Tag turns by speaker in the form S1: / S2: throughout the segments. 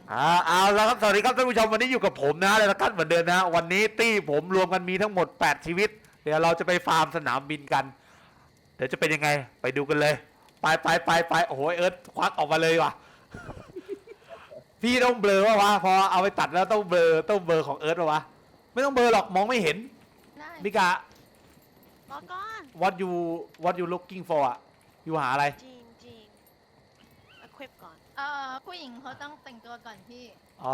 S1: เอาแล้วครับสวัสดีครับท่านผู้ชมวันนี้อยู่กับผมนะแล้วกันเหมือนเดิมนะวันนี้ตี้ผมรวมกันมีทั้งหมด8ชีวิตเดี๋ยวเราจะไปฟาร์มสนามบินกันเดี๋ยวจะเป็นยังไงไปดูกันเลยไปโอ้โหเอิร์ธควักออกมาเลยว่ะพี่ต้องเบลอวะพอเอาไปตัดแล้วต้องเบลอของเอิร์ธวะไม่ต้องเบลอหรอกมองไม่เห็น
S2: ได้
S1: มิกา
S2: บอกก่อน
S1: what you looking for อ่ะอยู่หาอะไร
S2: จริงequip ก่อน
S3: ผู้หญิงเขาต้องแต่งตัวก่อนพี่
S1: อ๋อ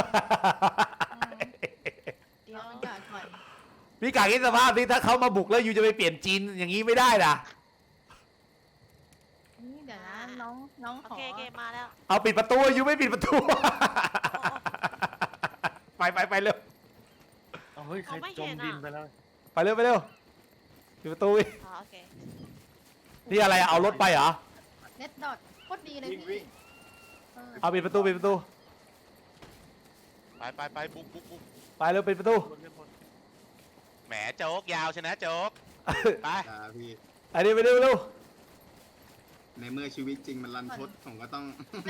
S2: เดี๋ยว
S3: เอาก่อนก่อน
S1: พี่กาคิดสภาพที่ถ้าเขามาบุกแล้วอยู่จะไปเปลี่ยนจีนอย่างนี้ไม่ได้นะ
S3: นี่เดี๋ยวนะน้อง
S2: โอ
S3: ขอ
S2: เคมาแล้ว
S1: เอาปิดประตูอยู่ไม่ปิดประตู ไปเร็ว
S4: เอาเฮ้ยใครจมดินไปแล้ว
S1: ไปเร็วปิดประตูอีก
S2: โอเค
S1: นี่อะไรอะเอารถไปเหรอ
S3: เน็ตดอทโคตรดีเลย
S4: วิ่ง
S3: พี่เออ
S1: เอาปิดประตู
S5: ไปบุก
S1: ไปเร็วปิดประตู
S5: แหมโจ๊กยาวชนะโจ๊กไป
S6: พี่
S1: อันนี้ไปเร็ว
S6: ในเมื่อชีวิตจริงมันรันทดผมก็ต้อง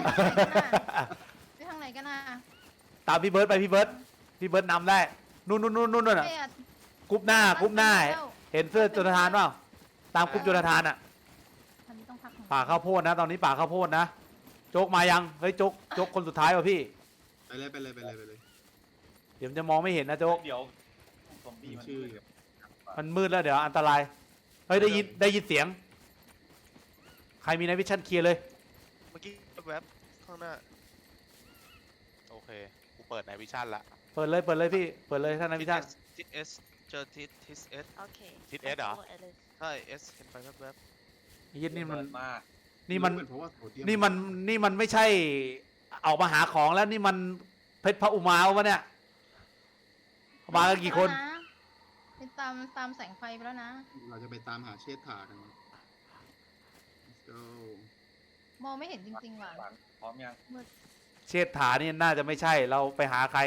S3: ไปทางไหนกันนะ
S1: ตามพี่เบิร์ดไปพี่เบิร์ดนำได้นู่นน่ะ
S3: ไปอ่ะ
S1: กรุ๊ปหน้าเห็นเสื้อจุลธานเปล่าตามกรุ๊ปจุลธานอะ
S3: อันนี้ต้องพักหน่อย
S1: ป่าข้าวโพดนะตอนนี้ป่าข้าวโพดนะโจ๊กมายังเฮ้ยโจ๊กคนสุดท้ายว่ะพี่
S6: ไปเลย
S1: เดี๋ยวจะมองไม่เห็นนะโจ๊ก
S4: เดี๋ยวซอมบี้
S6: มี
S4: มัน
S6: ชื่อ
S1: มันมืดแล้วเดี๋ยวอันตรายเฮ้ยได้ยินเสียงใครมีไนวิชั่นเคลียร์เลย
S5: เมื่อกี้แวบข้างหน้าโอเคกูเปิดในวิชั่นละ
S1: เปิดเลยพี่เปิดเลยท่านไนวิชั่น
S7: ทิศเอสเจอทิศเอส
S2: โอเค
S5: ทิศเอสเหรอ
S7: ใช่เอสเห็นไปแวบ
S1: นี่มัน
S4: มา
S1: นี่มัน
S6: เพราะว่าโซเดีย
S1: นี่มันไม่ใช่ออกมาหาของแล้วนี่มันเพชรพระอุมาวะเนี่ยมากันกี่คน
S3: ไปตามแสงไฟไปแล้วนะ
S6: เราจะไปตามหาเชษฐากัน Let's go
S3: มองไม่เห็นจริงๆว่ะ
S4: หลังพร้อมยัง
S1: เชษฐานี่น่าจะไม่ใช่เราไปหาใคร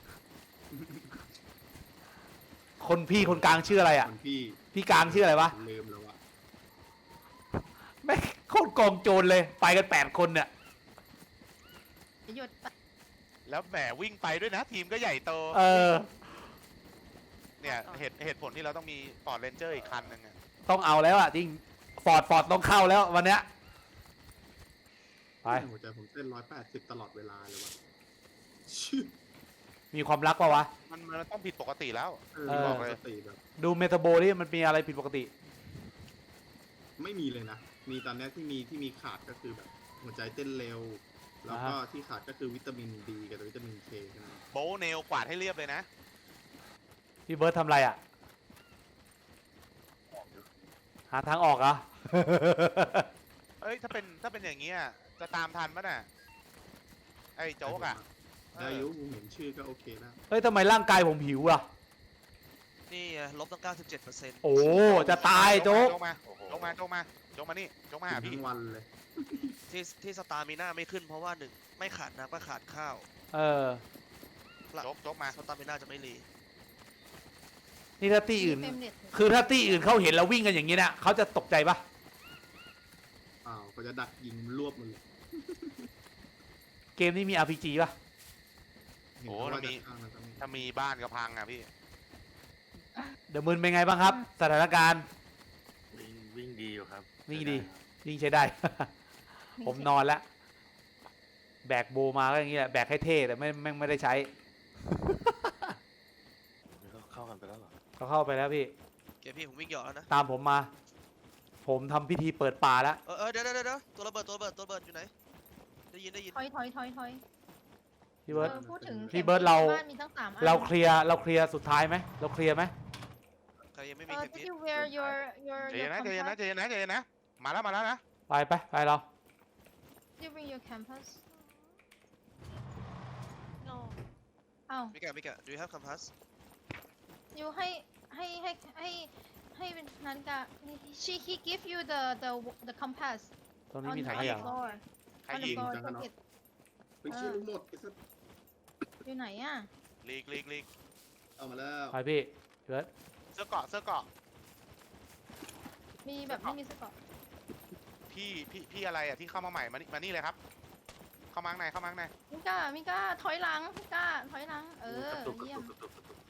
S1: คนพี่คนกลางชื่ออะไรอ่ะ
S6: คนพี่
S1: พี่กลางชื่ออะไรวะ
S6: ลืมแล้วอะ
S1: แม่งโคตรกองโจรเลยไปกัน8 คนเนี่ย
S3: จะหยุด
S5: แล้วแหมวิ่งไปด้วยนะทีมก็ใหญ่โต
S1: เออ
S5: เนี่ยเหตุผลที่เราต้องมีฟอร์ดเรนเจอร์อีกคันหนึงอะ
S1: ต้องเอาแล้วอ่ะจริงฟอร์ดต้องเข้าแล้ววันเนี้ยไป
S6: หัวใจผมเต้น180ตลอดเวลาเลยวะชื่อ
S1: มีความรักปะวะ
S5: มันต้องผิดปกติแล้ว
S6: บอกเลยสติแบบ
S1: ดูเมตาโบนี่มันมีอะไรผิดปกติ
S6: ไม่มีเลยนะ มีตอนนี้ที่มีขาดก็คือแบบ หัวใจเต้นเร็ว แล้วก็ที่ขาดก็คือวิตามินดีกับวิตามินเคใช่ไหม
S5: โบว์เนลกวาดให้เรียบเลยนะ
S1: พี่เบิร์ดทำอะไรอ่ะ หาทางออกเหรอ
S5: เอ้ยถ้าเป็นอย่างเงี้ยจะตามทันปะน่ะไอ้โจ๊กอะ
S6: ได้อายุผมเห็นชื่อก็โอเคแล้ว
S1: เฮ้ยทำไมร่างกายผมหิวอ่ะ
S7: ๆนี่ลบตั้ง 97%
S1: โอ้จะตายโจ๊ก
S5: โจ๊กมาโจ๊กมานี่โจ๊กมาหาพี่
S6: ทั้งวันเลย
S7: ที่สตาร์มีหน้าไม่ขึ้นเพราะว่าหนึ่งไม่ขาดน้ำก็ขาดข้าว
S1: เออ
S5: โจ๊กมา
S7: สตาร์มีหน้าจะไม่รี
S1: นี่ถ้าตี้อื่น
S3: เต็มเน็ต
S1: คือถ้าตี้อื่นเขาเห็นเราวิ่งกันอย่างนี้เนี่ยเขาจะตกใจปะ
S6: อ้าวก็จะดักยิงรวบมันเลย
S1: เกมนี้มี RPG ปะ
S6: เห็นเขาว่าจะข้างนั้นก็มี
S5: ถ้ามีบ้านก็พังอะพี่
S1: เดอะมึนเป็นไงบ้างครับ สถานการณ์
S4: วิ่งดีอยู่ครับ
S1: วิ่งดีวิ่งใช้ได้ ผมนอนแล้ว แบกโบมาก็อย่างนี้แหละแบกให้เท่แต่ไม่ได้ใช้
S4: เข้ากันไปแล้วเหรอ
S1: เขาเข้าไปแล้วพี่
S7: เกมพี่ผมวิ่งหยอดแล้วนะ
S1: ตามผมมา ผมทำพิธีเปิดป่าแล้ว
S7: เดี๋ยวตัวระเบิดอยู่ไหนได้ยิน
S3: ถอย
S1: พี่เบิร์ด
S3: พูดถึง
S1: พี่เบิร์ดเรา
S3: บ้านมีตั้ง3 อัน
S1: เราเคลียร์สุดท้ายไหมเราเคลียร์ไหม
S7: ใครยังไม่มีเข็ม
S3: did
S7: ทิศ
S3: you wear your
S5: ใจเย็นนะ มาแล้วนะ
S1: ไปเรา
S3: Did you bring your campus
S2: no
S3: อ้าว
S7: มิกะ do you have compass
S3: ยูให้นันกะ he give you the compass
S1: ตรงนี้มี
S3: on
S1: ถัง
S3: the
S1: ขยะ
S3: floor
S5: ใคร
S3: on the
S5: ยิง
S3: floor
S6: จังกันเนาะ
S3: pocket
S6: ไปชื่อลูกหมดไอ้สัส
S3: อยู่ไหนอ่ะ
S5: ลีก
S6: เอามาแล้ว
S1: ไปพี่เบิร์ด
S5: เสื้อเกาะ
S3: มีแบบไม่มีสกอต
S5: พี่อะไรอะที่เข้ามาใหม่มานี่เลยครับ เข้เข้ามาข้างในเข้ามาข้างใน
S3: มิก้าถอยหลังมิก้าถอยหลัง
S6: กระตุกกระ
S3: เยี่ย
S6: ตุ
S3: ม
S6: กกระตุกกระตุก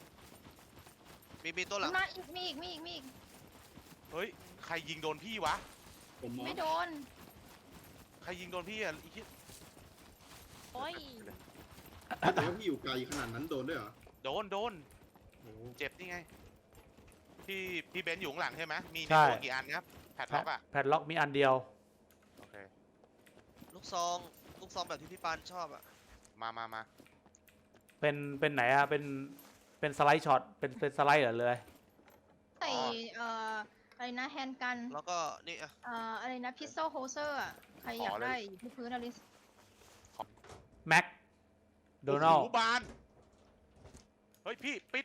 S7: มีตัวหลัง
S3: มาอีกมีอีก
S5: เฮ้ยใครยิงโดนพี่วะ
S6: ผมมอง
S3: ไม่โดน
S5: ใครยิงโดนพี่อ่ะอีกที
S2: โอ้ย
S6: แต่ว่าพี่อยู่ไกลขนาดนั้นโดนด้วยเหรอ
S5: โดน
S6: โอ้
S5: เจ็บนี่ไงพี่เบนซ์อยู่ข้างหลังใช่ไหมมีใน
S1: ใช่
S5: ตัวกี่อันครับแพดล็อกอ่ะ
S1: แพดล็อกมีอันเดียว
S5: โอเค
S7: ลูกซองแบบที่พี่ปานชอบอะ
S5: มา
S1: เป็นไหนอะเป็นสไลด์ช็อตเป็นสไลด์เหรอเลย
S3: ใส่อะไรนะแฮนด์กัน
S7: แล้วก็นี่อะ
S3: อะไรนะพิสโซโฮเซอร์อ่ะใครอยากได้อยู่ที่พื้นอลิส
S1: แม็กโดนัล
S5: โอ้โหบานเฮ้ยพี่ปิด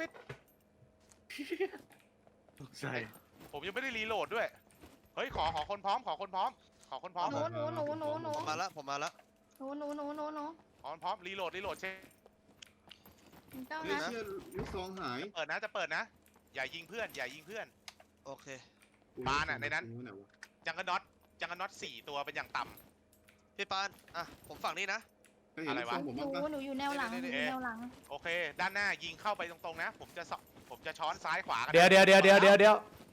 S4: ตกใจ
S5: ผมยังไม่ได้รีโหลดด้วยเฮ้ยขอคนพร้อมขอคนพร้อม
S3: หนู
S7: ผมมาแล้ว
S3: หนู
S5: ขอคนพร้อมรีโหลดเช็ค
S3: มิก้า
S6: เฮ้ย
S3: นะ
S6: เชื่อลูกซองหาย
S5: จะเปิดนะอย่ายิงเพื่อน
S7: โอเค
S5: ปานอะในนั้น
S6: ไหวะ
S5: จังกระน็อต4 ตัวเป็นอย่างต่ำ
S7: พี่ปานอ่ะผมฝั่งนี้นะ
S6: เฮ้ยเห็นลูกซองผม
S3: ห
S6: บ้างปะ
S3: นูอยู่แนวหลัง
S7: นี่
S3: อยู่แนวหลัง
S5: โอเค ด้านหน้ายิงเข้าไปตรงๆนะ ผมจะช้อนซ้ายขวากันนะ
S1: เดี๋ยว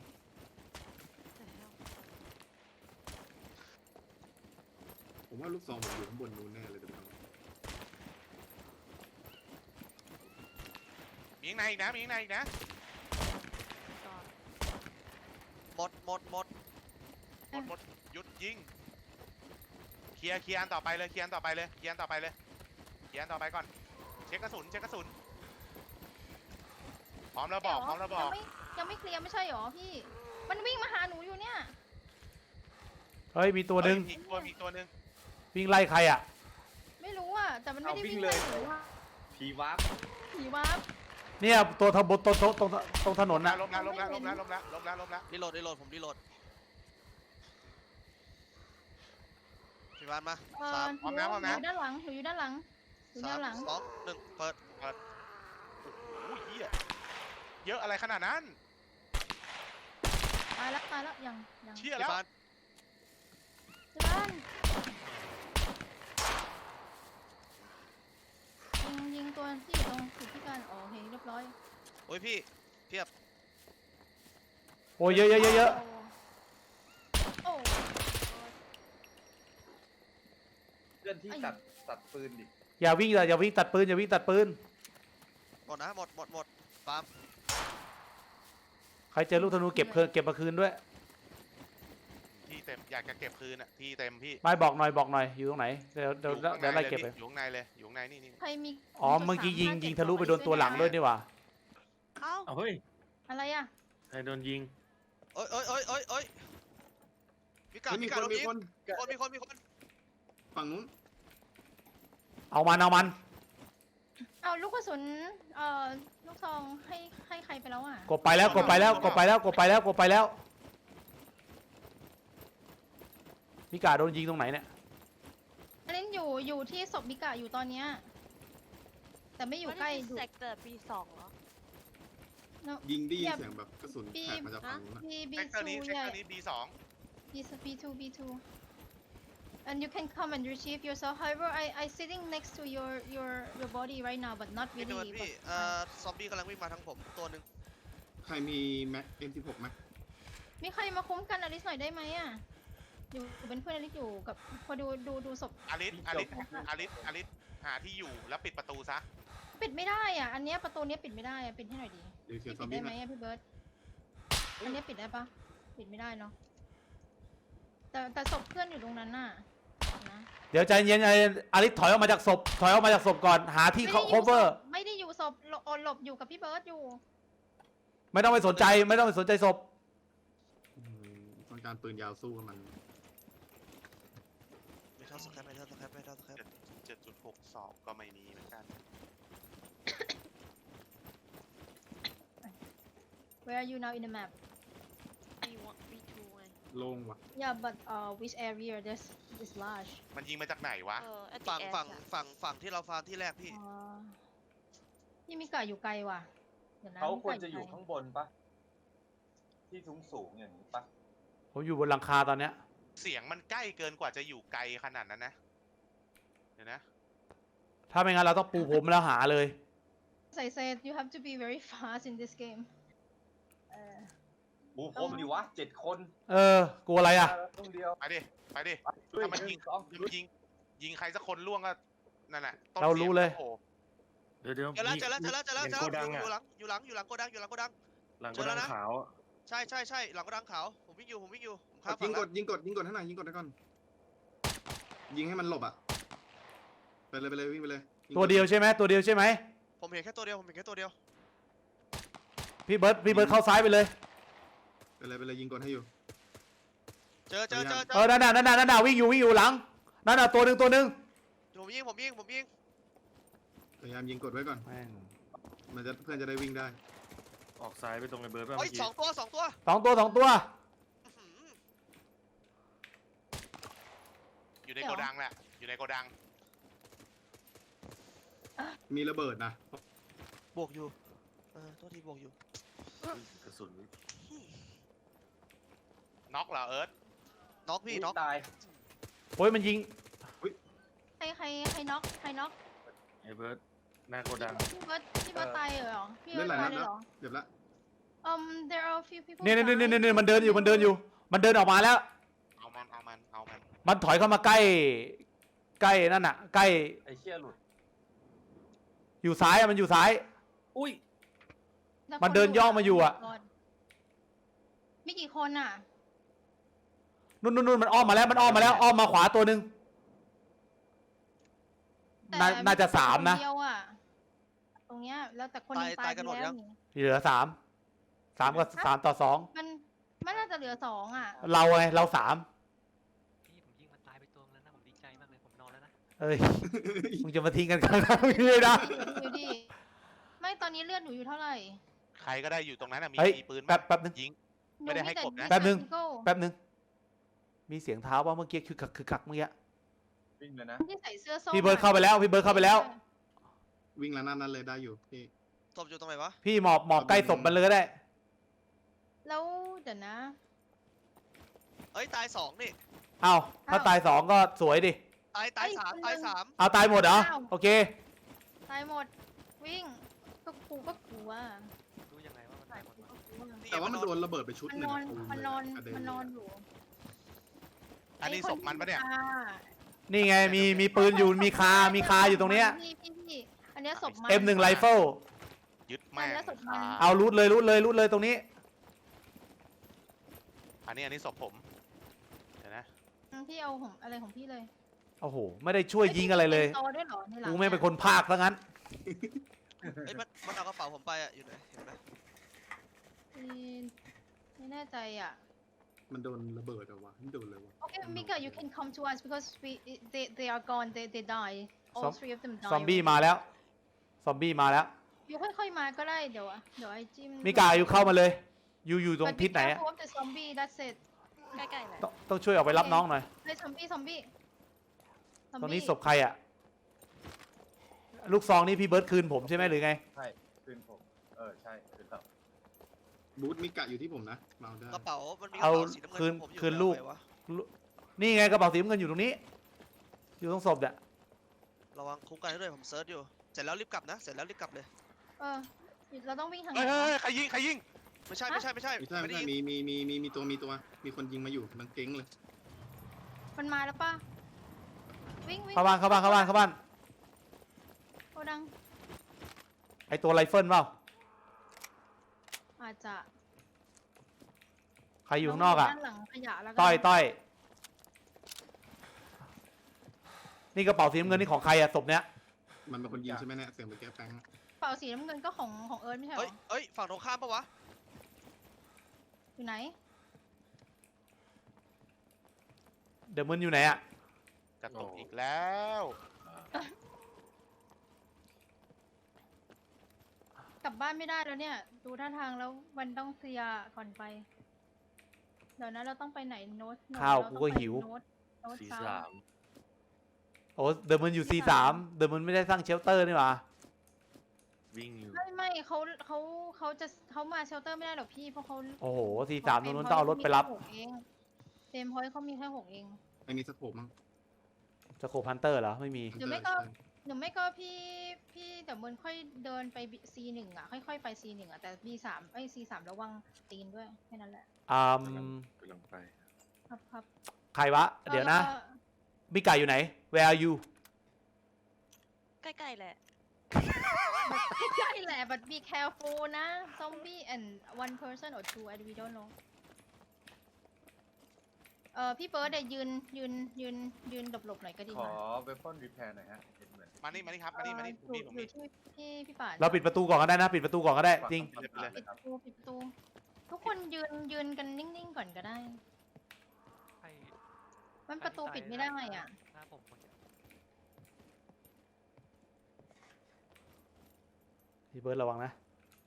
S6: ผมว่าลูกซองผมอยู่ข้างบนนู้นแน่เลยเดี๋ยว
S5: มีข้างในอีกนะ
S7: หมด
S5: หมดหยุดยิงเคลียร์อันต่อไปเลยเคลียร์อันต่อไปก่อน เช็คกระสุนพร้อมแล้วบอก
S3: ยังไม่เคลียร์ไม่ใช่หรอพี่ มันวิ่งมาหาหนูอยู่เนี่ย
S1: เฮ้ยมีตัวหนึ่ง
S5: มีตัวหนึ่ง
S1: วิ่งไล่ใครอะ
S3: ไม่รู้อ่ะแต่มันไม่ได้
S4: เอาวิ่
S3: วิ่
S4: ง
S3: ง
S4: เลย
S3: ไล่หนูอ่ะ
S4: ผีวับ
S3: ผีวาร์ป
S1: เนี่ยตัวทบตรงถนนน่ะ
S5: ล้มแล้ว
S7: รีโหลดผมรีโหลดพี่ปานมา
S3: หนูอยู่ด้านหลังอยู่แนวหลัง
S7: 3 2 1เปิด
S5: โอ้ยเหี้ยเยอะอะไรขนาดนั้น
S3: ตายแล้วยัง
S5: เชี่ย
S7: พี่
S5: แล้ว
S7: ปาน
S3: ยิงตัวที่อยู่ตรงจุดที่การโอเคเรียบร้อย
S7: โอ้ยพี่เพียบ
S1: โอ้ยเยอะ
S3: โอ้
S4: เพื่อนที่ตัดปืนดิ
S1: อย่าวิ่งตัดปืน
S7: หมดนะหมดปาล์ม
S1: ใครเจอลูกธนูเก็บมาคืนด้วย
S5: ที่เต็มอยากจะเก็บคืนอ่ะที่เต็มพี่
S1: ไม่บอกหน่อยอยู่ตรงไหนเดี๋ยวไล่เก็บไป
S5: อยู่ข้างในเลยนี่
S3: ใครมี
S1: อ๋อเมื่อกี้ยิงทะลุไปโดนตัวหลังด้วยนี่หว่า
S2: เอ้า
S4: เอาเฮ้ย
S3: อะไรอ่ะ
S4: ใครโดนยิง
S7: โอ้ยพี่กา
S6: เฮ้ยมี
S7: พี่
S6: ค
S7: กาน โดน
S6: มี
S7: ยิง
S6: คน
S7: มีคน
S6: ฝั่งนู้น
S1: เอามัน
S3: เอาลูกกระสุนลูกซองให้ใครไปแล้วอ่ะ
S1: กดไปแล้วพี่กาโดนยิงตรงไหนเนี่ย
S3: อันนี้อยู่ที่ศพมิกะอยู่ตอนเนี้ยแต่ไม่อยู่ใกล้
S2: เซกเตอร์ปี2เหรอ
S6: ยิงได้ยินเสียงแบบกระสุนแตกมาจากฝั่งนู้นอะ
S3: B
S5: เซกเตอร์นี้
S3: 2
S5: B2
S3: B2 and you can come and retrieve yourself however I sitting next to your body right now but not
S7: พี่โดน
S3: really
S7: พี่ซอมบี้กำลังวิ่งมาทางผมตัวหนึ่ง
S6: ใครมีแม็ก M16 ไหม
S3: มีใครมาคุ้มกันอลิสหน่อยได้ไหมอ่ะอยู่เป็นเพื่อนอลิสอยู่กับพอดูศพ
S5: อลิสหาที่อยู่แล้วปิดประตูซะ
S3: ปิดไม่ได้อ่ะอันเนี้ยประตูเนี้ยปิดไม่ได้อ่ะปิดให้หน่อยดี
S6: เดี๋ยวเสีย
S3: พี่
S6: งซอ
S3: ปิ
S6: ม
S3: ด
S6: บี้
S3: ได้ไหม
S6: มา
S3: อ่ะพี่เบิร์ตอันเนี้ยปิดได้ปะปิดไม่ได้เนาะแต่ศพเพื่อนอยู่ตรงนั้นน่ะนะ
S1: เดี๋ยวใจเย็นอลิสถอยออกมาจากศพก่อนหาที่ cover
S3: ไม่ได้อยู่ศพหลบอยู่กับพี่เบิร์ตอยู่
S1: ไม่ต้องไปสนใจศพ
S6: ต้องการปืนยาวสู้กับมัน
S7: ไม่เท่าสแคป
S5: 7.62ก็ไม่มีเหมือนกัน
S3: Where are you now in the map
S2: B1 B2 ไง
S6: โล่งว่ะ
S3: Yeah but which area this large
S5: มันยิงมาจากไหนวะ
S2: at the
S7: ฝั่ง
S2: edge
S7: ฝั่งที่เราฟาร์มที่แรกพี่
S3: อ๋อพี่มิกะอยู่ไกลว่ะเดี๋ยวนะ
S8: เขาควรจะ
S3: มิก
S8: อยู่ข้างบนปะที่สูงอย่างนี้ปะ
S1: ผมอยู่บนหลังคาตอนเนี้ย
S5: เสียงมันใกล้เกินกว่าจะอยู่ไกลขนาดนั้นนะเดี๋ยวนะ
S1: ถ้าไม่งั้นเราต้องปูผมแล้วหาเลย
S3: As I said, you have to be very fast in this game.
S8: ปูพรมดิวะ7 คน
S1: กลัวอะไรอ่ะ
S8: ต้องเดียว
S5: ไปดิ ไปดิ
S8: ช่วย
S5: ถ้ามันยิง
S8: สอง
S5: ถ้ามันยิงใครสักคนล่วงก็นั่นแหละต้น
S1: เรารู้เลย
S5: โอ้โห
S4: เดี๋ยว
S7: เจอแล้วเจอแล้วเจอแล้วเจอแล้ว
S4: เห็นโกดัง
S7: อยู่
S4: อ่ะ
S7: หลังโกดังอยู่หลังโกดัง
S4: หลัง
S7: เจ
S4: โก
S7: อแล้
S4: ดั
S7: ว
S4: ง
S7: นะ
S4: ขาวอะ
S7: ใช่หลังโกดังขาวผมวิ่งอยู่ผมข้าม
S6: ยิ
S7: ฝั่
S6: ง
S7: ง
S6: ก
S7: แล้ว
S6: ดยิงกดให้หน่อยยิงกดให้ก่อนยิงให้มันหลบอ่ะไปเลยวิ่งไปเลยงก
S1: ตัวเดียวใช่ไหมตัวเดียวใช่ไหม
S7: ผมเห็นแค่ตัวเดียว
S1: พี่เบิร์ดเข้าซ้ายไปเลย
S6: ไปเลยยิงกดให้อยู่
S7: เจอ
S1: นั่นน่ะวิ่งอยู่หลังนั่นน่ะตัวหนึ่ง
S7: ผมยิง
S6: พยายามยิงกดไว้ก่อน
S1: แม่ง
S6: เพื่อนจะได้วิ่งได้
S4: ออกซ้ายไปตรงไอ้เบิร์ดป่ะ
S7: เฮ้ย
S4: เมื่อกี้
S7: สองตัว
S1: สองตัว
S7: อื้อหือ
S5: อยู่ในโกดังแหละ อยู่ในโกดัง
S6: มีระเบิดนะ
S7: บวกอยู่ตัวทีบวกอยู่
S4: กระสุน
S5: น็อกเหรอเอิร์ธ
S7: น็อกพี่น็อก
S8: ตาย
S1: โอ้ยมันยิง
S3: ใครน็อก
S4: ไอ้เบิร์ดหน้าโกดัง
S3: พี่เบิร์ดตายเหรอ พี่เบิ
S6: เล่
S3: ร์
S6: น
S3: ด
S6: หลาย
S3: ตา
S6: นั
S3: ย
S6: ด
S3: เลย
S6: แล้ว
S3: เหรอ
S6: เจ็บละ
S3: There are a few people.
S1: นี่
S3: dying.
S1: มันเดินอยู่มันเดินออกมาแล้ว
S5: เอามัน
S1: มันถอยเข้ามาใกล้นั่นน่ะใกล้
S8: ไอ้เชี่ยหลุด
S1: อยู่ซ้ายอะมันอยู่ซ้าย
S4: อุ้ย
S3: แล้ว
S1: มันเดินย่องมาอยู่อะ
S3: มีกี่คนอ่ะ
S1: นู่นมันอ้อมมาแล้วอ้อมมาขวาตัวหนึ่ง
S3: แต่
S1: น่าจะสามนะ
S3: คเดียวอะตรงเนี้ยแล้วแต่คนหนึ่งตายไปแล้วนี่
S1: เหลือ3กับ3 ต่อ
S3: มันน่าจะเหลือ2อ่ะ
S1: 2เราไงเรา3
S9: พี่ผมยิงมันตายไปตัวนึงแล้วนะผมดีใจมากเลยผมนอนแล้วนะ
S1: เอ้ยมึงจะมาทิ้งกันกลางทางเลยนะ
S3: อยู่ดิไม่ตอนนี้เลือดหนูอยู่เท่าไหร่
S5: ใครก็ได้อยู่ตรงนั้นน่ะ
S1: เฮ้ย
S5: มีปืนไหม
S1: แป๊บนึง
S5: ยิง ไม่ได้ให้กบนะ
S1: แป๊บนึง
S3: หนูมีแต่
S1: แป๊บนึงมีเสียงเท้าว่าเมื่อกี้คือคักเมื่อกี้
S8: วิ่งเลยนะ
S3: ที่ใส่เสื้อส้ม
S1: พี่เบิร์ดเข้าไปแล้ว
S6: วิ่งแล้วนั่นเลยได้อยู่พี่
S7: ศพอยู่ตรงไหนวะ
S1: พี่หมอบใกล้ศพมันเลยก็ได้
S3: แล้วเดี๋ยวนะ
S7: เอ้ยตาย2นี่
S1: เอ้าถ้าตาย2ก็สวยดิ
S7: ตาย
S3: เอ้ย
S7: 3
S3: คน
S7: ตาย
S3: หนึ่ง
S7: 3
S1: เอาตายหมดเหรอ
S3: อ้าว
S1: โอเค
S3: ตายหมดวิ่งก็กลัว
S9: รู้ยังไงว่ามันตายหมดวะ
S7: นี่
S6: แต่ว่ามัน
S7: น
S6: โดนระเบิดไปชุด
S3: มัน
S6: หนึ่
S3: น
S6: ง
S3: อน
S6: ตูม
S3: มัน
S6: เลย
S3: นอน
S6: กระเด็
S3: มันนอน
S6: เลย
S3: อยู่
S5: อันนี้ศพมันปะเนี่ย
S1: นี่ไงมีปืนอยู่มีคาอยู่ตรงเนี้ย
S3: พี่อันเนี้ยศพมัน
S1: M1 ไรเฟิล
S5: ยึดแม่ง
S3: แล้วศพมัน
S5: ขา
S1: เอารูดเลยตรงนี้
S5: อันนี้ศพผม เดี๋ยวนะ
S3: พี่เอาของอะไรของพี่เลย
S1: โอ้โหไม่ได้ช่วยยิงอะไรเลย
S3: โตด้วยเหรอในหลัง
S1: กูไม่งเป็นคนภาคซะงั้น
S7: เอ้ยมันเอากระเป๋าผมไปอ่ะอยู่ไหนเห็นไหม
S3: ไม่แน่ใจอ่ะ
S6: มันโดนระเบิดเหรอวะไม่โดนเลยวะ
S3: Okay, Mika, you can come to us because they are gone. They die. All
S1: Zom-
S3: three of them die.
S1: ซอมบี้มาแล้ว
S3: อยู่ค่อยๆมาก็ได้เดี๋ยวไอ้จิ้ม
S1: มิกาอยู่เข้ามาเลย อยู่ตรง
S3: But be
S1: ทิศไหนอะ
S3: careful of the zombie. That's it.
S2: ใกล้ๆเลย
S1: ต้องช่วยออกไปรับน้องหน่อย
S3: เฮ้ยซอมบี้
S1: ตรงนี้ศพใครอะลูกซองนี่พี่เบิร์ดคืนผมใช่ไหมหรือไง
S8: ใช่คืนผมใช่คืนต่อ
S6: บูธมิกะอยู่ที่ผมนะมาเอาได้
S7: กระเป๋ามันมีกระ
S1: เอา
S7: เป๋าสีน้ำเงิน
S1: คืน
S7: ผมอยู่
S1: คืนลูก
S7: ไหวะ
S1: นี่ไงกระเป๋าสีน้ำเงินอยู่ตรงนี้ อยู่ตรงศพเนี่ย
S7: ระวังคุ้มกันให้ด้วยผมเซิร์ชอยู่เสร็จแล้วรีบกลับนะเสร็จแล้วรีบกลับเลย
S3: เราต้องวิ่งทางไหน
S5: เฮ้ย
S3: วะ
S5: ใครยิง
S7: ไม่ใช่
S6: ไม่ใช่
S7: ไม่ได้ยิน
S6: มีตัวมีคนยิงมาอยู่มันเก้งเลย
S3: มันมาแล้วป่ะวิ่ง
S1: เข้าบ้าน
S3: โกดัง
S1: ไอตัวไรเฟิลเปล่า
S3: อาจจะ
S1: ใครอยู่ข้างนอกอะ
S3: ด้านหลังขยะแล้วกัน
S1: ต้อยนี่กระเป๋าสีน้ำเงินนี่ของใครอะศพเนี้ย
S6: มันเป็นคนยิงใช่ไหมเนี่ยเสียงไปแก้แป้ง
S3: เป่าสีน้ำเงินก็ของเอิร์ธไม่ใช่เหร
S7: เอ้ย
S3: อ
S7: ฝั่งตรงข้ามปะวะ
S3: อยู่ไหน
S1: เดี๋ยวมึนอยู่ไหนอะ
S5: จะตกอีกแล้ว
S3: กลับบ้านไม่ได้แล้วเนี่ย ดูท่าทางแล้ววันต้องเคลียร์ก่อนไป เดี๋ยวนะเราต้องไปไหนโน้ต
S1: ข้าวกูก็หิว
S3: โน้ต
S4: สี
S3: เช้า
S4: สาม
S1: โอ้เดี๋ยวมึนอยู่ C3 เดี๋ยวมึนไม่ได้สร้างเชลเตอร์นี่หว่า
S4: วิ่งอยู่
S3: ไม่เขามาเชลเตอร์ไม่ได้หรอกพี่เพราะเขา
S1: โอ้โห C3 ตรงนู้นต้องเอารถไปรับ
S3: เฟรมพอยต์เขามีแค่6เอง
S6: ไม่มีสโคปมั้ง
S1: สโคปพันเตอร์เหรอไม่มี
S3: หรือไม่ก็พี่เดี๋ยวมันค่อยเดินไป C1 อ่ะค่อยๆไป C1 อ่ะแต่ B3 C3 ระวังตีนด้วยแค่นั้นแหละ
S4: กำลังไป
S3: ครับ
S1: ใครวะ เดี๋ยวนะ มิกาอยู่ไหน Where are you
S2: ใกล้ๆแหละ
S3: ใช่แหละ but be careful นะ zombie and one person or two we don't know พี่เบิร์ดเดี๋ยวยืนหลบๆหน่อยก็ดี
S8: ข
S3: ก
S8: อ
S3: ว่า
S8: เวพอนรีแพร์หน่อยฮะเห็นเหมือน
S5: มานี่ครับมานี่ผมมี
S3: อยู่ที่พี่ป่าน
S1: เราปิดประตูก่อนก็ได้นะ ปิดประตูก่อนก็ได้จริง
S8: ฝั่ตาม
S3: ปิด
S8: นะค
S3: ป
S8: รับ
S3: ระตู ทุกคนยืนกันนิ่งๆก่อนก็ได้
S9: ใคร
S3: มันประตูปิดไม่ได้อ่ะ
S9: หน้าผมคนเดียว
S1: พี่เบิร์ดระวังนะ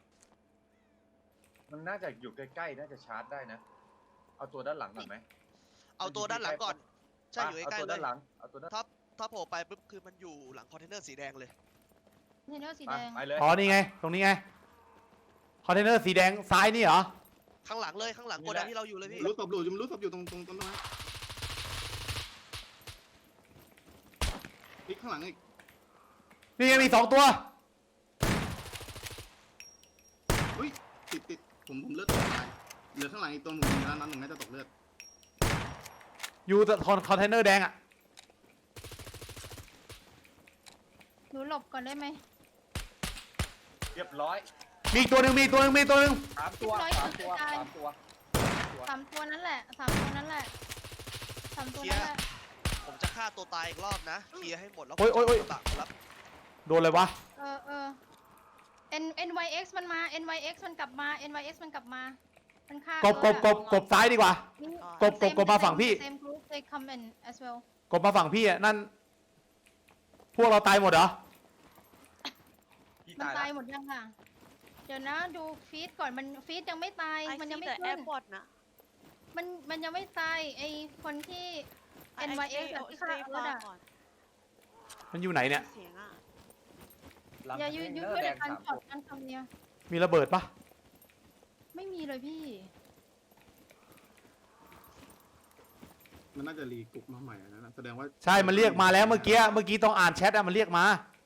S8: มันน่าจะอยู่ใกล้ๆน่าจะชาร์จได้นะ เอาตัวด้านหลังก่อนไหม
S7: เอาตัวด้านหลังก่อน ใช่อยู่ใกล้
S8: เอาตัว
S7: ๆเล
S8: ด้าย นหลังเอาตัวด้าน
S7: ถ้าโผล่ไปปุ๊บคือมันอยู่หลังคอนเทนเนอร์สีแดงเลย
S3: เทนเนอร์สี
S8: ไป
S3: แดง
S8: ไปเลย
S1: อ๋อ นี่ไง ตรงนี้ไง คอนเทนเนอร์สีแดงซ้ายนี่เหรอ
S7: ข้างหลังเลยข้างหลังโกดังที่เราอยู่เลยพี่
S6: รู้ศพอยู่ตรงต้นไม้นี่ข้างหลังอีก
S1: นี่ไงมี2 ตัว
S6: อุ้ยติดผมเลือดตกตายเหลือข้างหลังอีกตัวหนึ่งแล้วนั้นหนึ่งน่าจะตกเลือด
S1: อยู่คอนเทนเนอร์แดงอะ
S3: หนูหลบก่อนได้ไหม
S8: เรียบร้อย
S1: มีอีกตัวหนึ่ง
S8: 3 ตัว
S3: เรียบร้อย
S8: 3 ตัว
S3: 3 ตัวนั่นแหละ3 ตัวนั่นแหละ3 ตัวนั่นแหละ
S7: ผมจะฆ่าตัวตายอีกรอบนะ เคลียร์ให้หมดแล้ว
S1: โอ้ยโอ้ยโอ้ย
S7: ผมจะตักรับ
S1: โดนเลยวะ
S3: NYX มันมา NYX มันกลับมา NYX มันกลับมา มันฆ่าก
S1: บซ้ายดีกว่า กบมาฝั่งพี่
S3: same group they come in as well
S1: กบมาฝั่งพี่อะนั่น พวกเราตายหมดเหรอ
S8: พี่
S3: มัน
S8: ตาย
S3: ตาย
S8: แล้ว
S3: หมดยังอ่ะ เดี๋ยวนะดูฟีดก่อนมันฟีดยังไม่ตาย
S2: ไอ
S3: มัน
S2: ซี
S3: ยังไม่
S2: แต่แอ
S3: ขึ้น
S2: ร์พอร์ตนะ
S3: มันยังไม่ตายไอคนที่ NYX อะที่ฆ่าเอิร์ธอะ
S2: ก่อน
S1: มันอยู่ไหนเนี่ย
S2: เสียงอ่ะ
S8: หลัง
S3: อย่ายื
S8: คอน
S3: ยื
S8: เท
S3: น
S8: นเนอ
S3: เพื่
S8: ร์
S3: อ
S8: แด
S3: ใน
S8: ง
S3: การ
S8: 3
S3: ช็อต
S8: ตัว
S3: การทำเนี่ย
S1: มีระเบิดปะ
S3: ไม่มีเลยพี่
S6: มันน่าจะรีกรุ๊ปมาใหม่นะแสดงว่า
S1: ใช่ มันเรียกมาแล้วเมื่อกี้ต้องอ่านแชทอะมันเรียกมา